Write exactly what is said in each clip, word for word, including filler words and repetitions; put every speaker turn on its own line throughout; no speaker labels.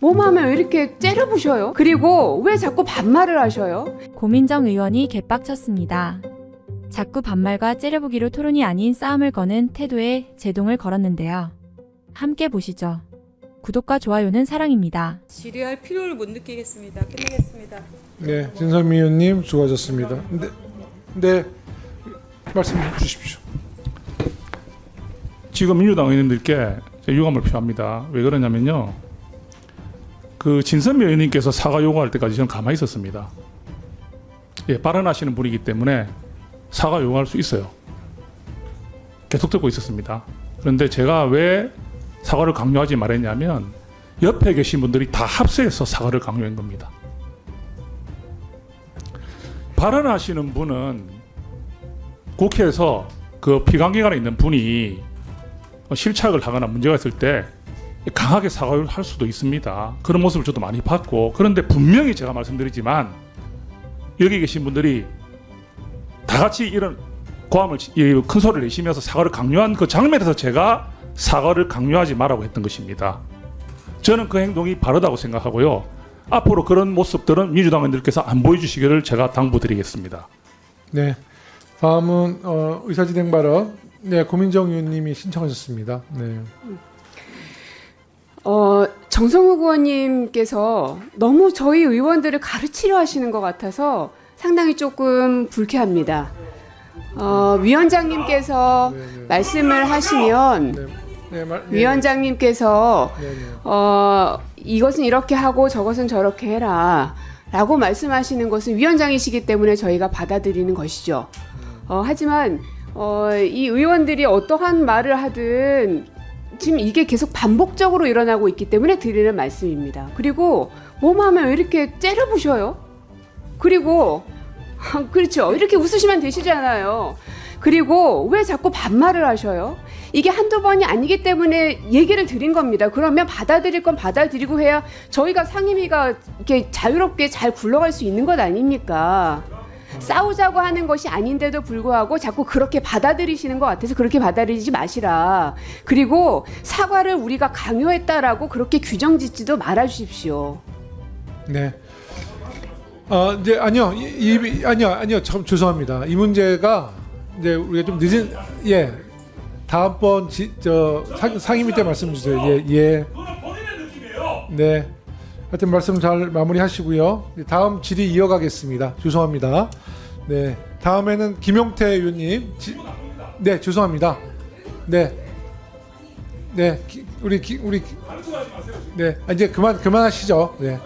뭐만 하면 왜 이렇게 째려보셔요? 그리고 왜 자꾸 반말을 하셔요?
고민정 의원이 개빡쳤습니다. 자꾸 반말과 째려보기로 토론이 아닌 싸움을 거는 태도에 제동을 걸었는데요. 함께 보시죠. 구독과 좋아요는 사랑입니다.
질의할 필요를 못 느끼겠습니다. 끝내겠습니다.
네, 진선미 의원님 수고하셨습니다. 네, 네 말씀 주십시오.
지금 민주당 의원님들께 유감을 표합니다. 왜 그러냐면요. 그 진선미 의원님께서 사과 요구할 때까지 저는 가만히 있었습니다. 예, 발언하시는 분이기 때문에 사과 요구할 수 있어요. 계속 듣고 있었습니다. 그런데 제가 왜 사과를 강요하지 말했냐면 옆에 계신 분들이 다 합세해서 사과를 강요한 겁니다. 발언하시는 분은 국회에서 그 피감기관에 있는 분이 실착을 하거나 문제가 있을 때 강하게 사과를 할 수도 있습니다. 그런 모습을 저도 많이 봤고, 그런데 분명히 제가 말씀드리지만 여기 계신 분들이 다 같이 이런 고함을 큰 소리를 내시면서 사과를 강요한 그 장면에서 제가 사과를 강요하지 말라고 했던 것입니다. 저는 그 행동이 바르다고 생각하고요. 앞으로 그런 모습들은 민주당 의원들께서 안 보여주시기를 제가 당부드리겠습니다.
네, 다음은 어, 의사진행 발언. 네, 고민정 의원님이 신청하셨습니다. 네.
어, 정성욱 의원님께서 너무 저희 의원들을 가르치려 하시는 것 같아서 상당히 조금 불쾌합니다. 어, 위원장님께서
네, 네.
말씀을 하시면
네, 네, 말, 네,
위원장님께서
네, 네.
어, 이것은 이렇게 하고 저것은 저렇게 해라 라고 말씀하시는 것은 위원장이시기 때문에 저희가 받아들이는 것이죠. 어, 하지만 어, 이 의원들이 어떠한 말을 하든 지금 이게 계속 반복적으로 일어나고 있기 때문에 드리는 말씀입니다. 그리고 뭐만 하면 왜 이렇게 째려보셔요? 그리고 그렇죠. 이렇게 웃으시면 되시잖아요. 그리고 왜 자꾸 반말을 하셔요? 이게 한두 번이 아니기 때문에 얘기를 드린 겁니다. 그러면 받아들일 건 받아들이고 해야 저희가 상임위가 이렇게 자유롭게 잘 굴러갈 수 있는 것 아닙니까? 싸우자고 하는 것이 아닌데도 불구하고 자꾸 그렇게 받아들이시는 것 같아서 그렇게 받아들이지 마시라. 그리고 사과를 우리가 강요했다라고 그렇게 규정 짓지도 말아주십시오.
네. 어, 이제 아니요, 이, 이, 아니요, 아니요, 참 죄송합니다. 이 문제가 이제 우리가 좀 늦은, 예, 다음번 지, 저 상, 상임위 때 말씀 주세요. 예, 예. 네. 하여튼 말씀 잘 마무리하시고요. 다음 질의 이어가겠습니다. 죄송합니다. 네. 다음에는 김용태 의원님. 지, 네, 죄송합니다. 네. 네, 기, 우리 기, 우리 네, 아, 이제 그만 그만하시죠. 네.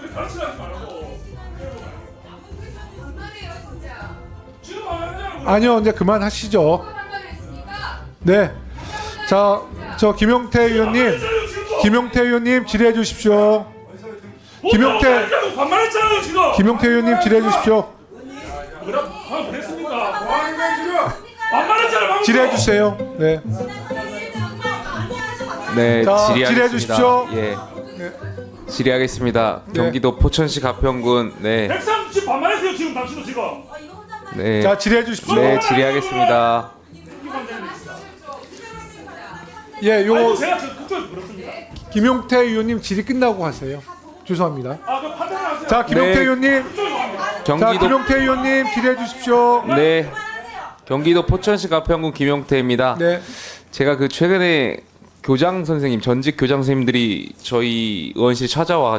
아니요, 이제 그만하시죠. 네. 자, 저 김용태 의원님, 김용태 의원님 질의해 주십시오. 김용태, 김용태 의원님 질의해 주십시오. 질의해 주세요. 네.
네,
자,
질의하겠습니다.
질의해 주십시오.
예,
네.
질의하겠습니다.
네.
경기도 포천시 가평군. 네,
백삼십 반말했어요 지금 당신도 지금.
네,
자, 질의해 주십시오.
네, 질의하겠습니다.
예, 요
제가 그쪽에 물었습니다.
김용태 의원님 질의 끝나고 하세요. 죄송합니다.
아, 그 판단을 하세요.
자, 김용태
네.
의원님. 자,
경기도
김용태 의원님 질의해 주십시오.
네, 경기도 포천시 가평군 김용태입니다.
네.
제가 그 최근에 교장 선생님, 전직 교장 선생님들이 저희 의원실 찾아와